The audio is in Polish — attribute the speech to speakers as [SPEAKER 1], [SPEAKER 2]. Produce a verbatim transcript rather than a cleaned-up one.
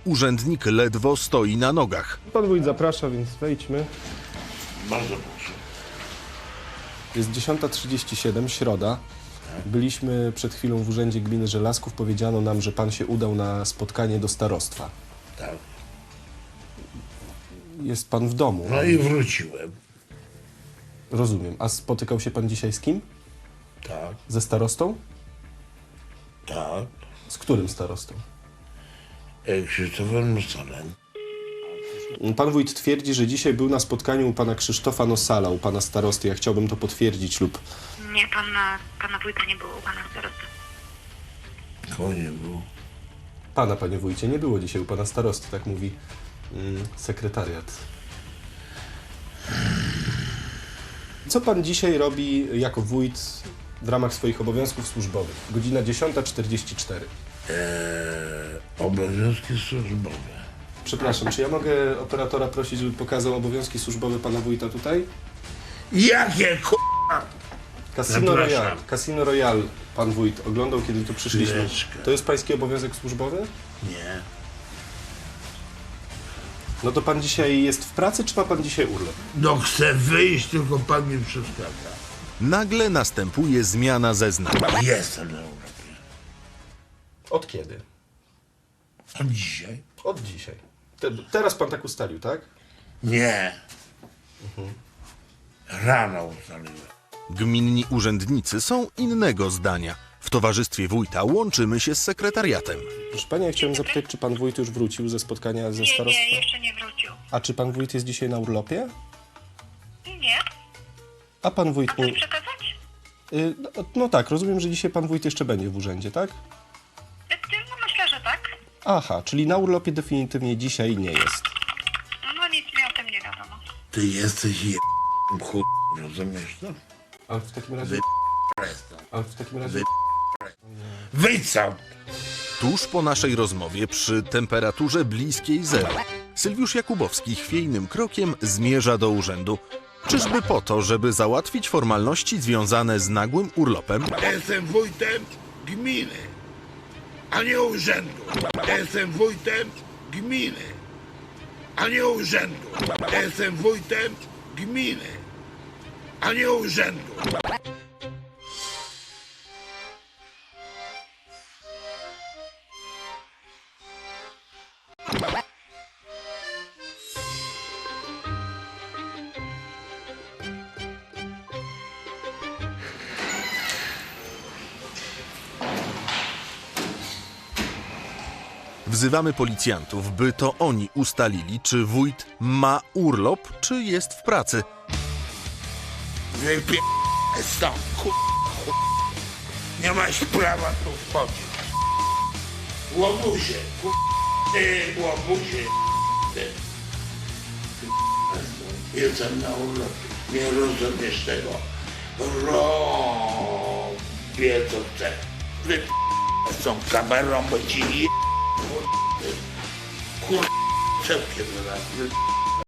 [SPEAKER 1] Urzędnik ledwo stoi na nogach.
[SPEAKER 2] Pan wójt zaprasza, więc wejdźmy.
[SPEAKER 3] Bardzo proszę.
[SPEAKER 2] Jest dziesiąta trzydzieści siedem, środa. Byliśmy przed chwilą w Urzędzie Gminy Żelazków. Powiedziano nam, że pan się udał na spotkanie do starostwa.
[SPEAKER 3] Tak.
[SPEAKER 2] Jest pan w domu.
[SPEAKER 3] No i wróciłem.
[SPEAKER 2] Rozumiem. A spotykał się pan dzisiaj z kim?
[SPEAKER 3] Tak,
[SPEAKER 2] Ze starostą?
[SPEAKER 3] tak.
[SPEAKER 2] Z którym starostą?
[SPEAKER 3] E, Krzysztofem Nosalem.
[SPEAKER 2] Pan wójt twierdzi, że dzisiaj był na spotkaniu u pana Krzysztofa Nosala, u pana starosty. Ja chciałbym to potwierdzić lub...
[SPEAKER 4] Nie, pana, pana wójta nie było u pana starosty.
[SPEAKER 3] Koło nie było.
[SPEAKER 2] Pana, panie wójcie, nie było dzisiaj u pana starosty, tak mówi mm, sekretariat. Co pan dzisiaj robi jako wójt w ramach swoich obowiązków służbowych? Godzina dziesiąta czterdzieści cztery.
[SPEAKER 3] Eee, obowiązki służbowe.
[SPEAKER 2] Przepraszam, czy ja mogę operatora prosić, żeby pokazał obowiązki służbowe pana wójta tutaj?
[SPEAKER 3] Jakie k***a?
[SPEAKER 2] Casino
[SPEAKER 3] Zapraszam.
[SPEAKER 2] Royal. Casino Royal pan wójt oglądał, kiedy tu przyszliśmy.
[SPEAKER 3] Chwileczkę.
[SPEAKER 2] To jest pański obowiązek służbowy?
[SPEAKER 3] Nie.
[SPEAKER 2] No to pan dzisiaj jest w pracy, czy ma pan dzisiaj urlop?
[SPEAKER 3] No chcę wyjść, tylko pan mi przeszkadza.
[SPEAKER 1] Nagle następuje zmiana zeznań.
[SPEAKER 3] Jestem na Europie.
[SPEAKER 2] Od kiedy?
[SPEAKER 3] A dzisiaj?
[SPEAKER 2] Od dzisiaj. Te, teraz pan tak ustalił, tak?
[SPEAKER 3] Nie. Rano ustaliłem.
[SPEAKER 1] Gminni urzędnicy są innego zdania. W towarzystwie wójta łączymy się z sekretariatem.
[SPEAKER 2] Proszę pani, ja chciałem zapytać, czy pan wójt już wrócił ze spotkania ze
[SPEAKER 4] Nie,
[SPEAKER 2] starostwem?
[SPEAKER 4] nie, jeszcze nie wrócił.
[SPEAKER 2] A czy pan wójt jest dzisiaj na urlopie?
[SPEAKER 4] Nie?
[SPEAKER 2] A pan wójt...
[SPEAKER 4] Coś
[SPEAKER 2] mu-
[SPEAKER 4] przekazać?
[SPEAKER 2] Y, no, no tak, rozumiem, że dzisiaj pan wójt jeszcze będzie w urzędzie, tak?
[SPEAKER 4] No myślę, że tak.
[SPEAKER 2] Aha, czyli na urlopie definitywnie dzisiaj nie jest.
[SPEAKER 4] No nic mi o tym nie wiadomo.
[SPEAKER 3] Ty jesteś je... chuj, rozumiesz to?
[SPEAKER 2] Ale w takim razie... Ale w takim razie...
[SPEAKER 3] Wyjdź sam!
[SPEAKER 1] Tuż po naszej rozmowie przy temperaturze bliskiej zeru Sylwiusz Jakubowski chwiejnym krokiem zmierza do urzędu. Czyżby po to, żeby załatwić formalności związane z nagłym urlopem?
[SPEAKER 3] Ja jestem wójtem gminy, a nie urzędu. Ja jestem wójtem gminy, a nie urzędu. Ja jestem wójtem gminy, a nie urzędu.
[SPEAKER 1] Wzywamy policjantów, by to oni ustalili, czy wójt ma urlop, czy jest w pracy.
[SPEAKER 3] Wypie... stąd, chuj, chuj. Nie masz prawa tu wchodzić. Łobuzie, chuj, ty, łobuzie, ty. Jestem na urlopie, nie rozumiesz tego. Robię co chcę. Wypie... z tą kamerą, bo ci je... Kur... czepkiem zaraz.